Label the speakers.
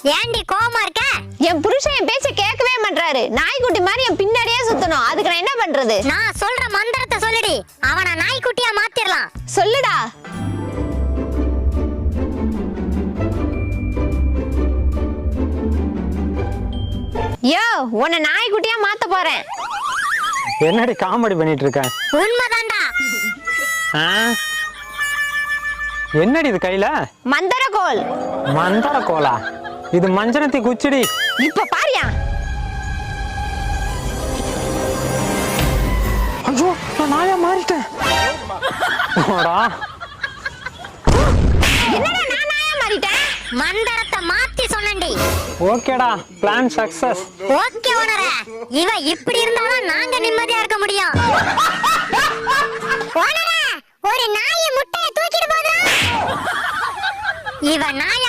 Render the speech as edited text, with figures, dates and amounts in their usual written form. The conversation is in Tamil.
Speaker 1: ஏண்டி கோவமா இருக்க?
Speaker 2: என் புருஷன் என் பேச்ச கேட்கவே மாட்டாரு. நாய்க்குட்டி மாதிரி என் பின்னாடியே சுத்தணும். அதுக்கு நான் என்ன பண்றது?
Speaker 1: நான் சொல்ற மந்திரத்தை சொல்லுடி. அவனை நாய்க்குட்டியா மாத்திரலாம்.
Speaker 2: சொல்லுடா. யோ, உன்னை நாய்க்குட்டியா மாத்த போறேன்.
Speaker 3: என்னடி காமெடி பண்ணிட்டு இருக்க?
Speaker 1: உண்மைதான்டா.
Speaker 3: என்னடி இது கையில?
Speaker 2: மந்திரக்கோல்.
Speaker 3: மந்திர கோலா? இது மஞ்சனத்தி குச்சிடி.
Speaker 2: இப்ப பாரியா?
Speaker 3: ஐயோ, நான் நாயா மாறிட்டேன்.
Speaker 2: என்னடா நான் நாயா மாறிட்டேன்?
Speaker 1: மந்திரத்தை மாத்தி சொன்னேன்டி.
Speaker 3: ஓகேடா, பிளான் சக்சஸ்.
Speaker 1: ஓகே ஓனரே. இவ இப்படி இருந்தாலும் நாங்க நிம்மதியா இருக்க முடியும். ஓனரே, ஒரு நாய் முட்டைய தூக்கிட்டு போகுது. இவ நாய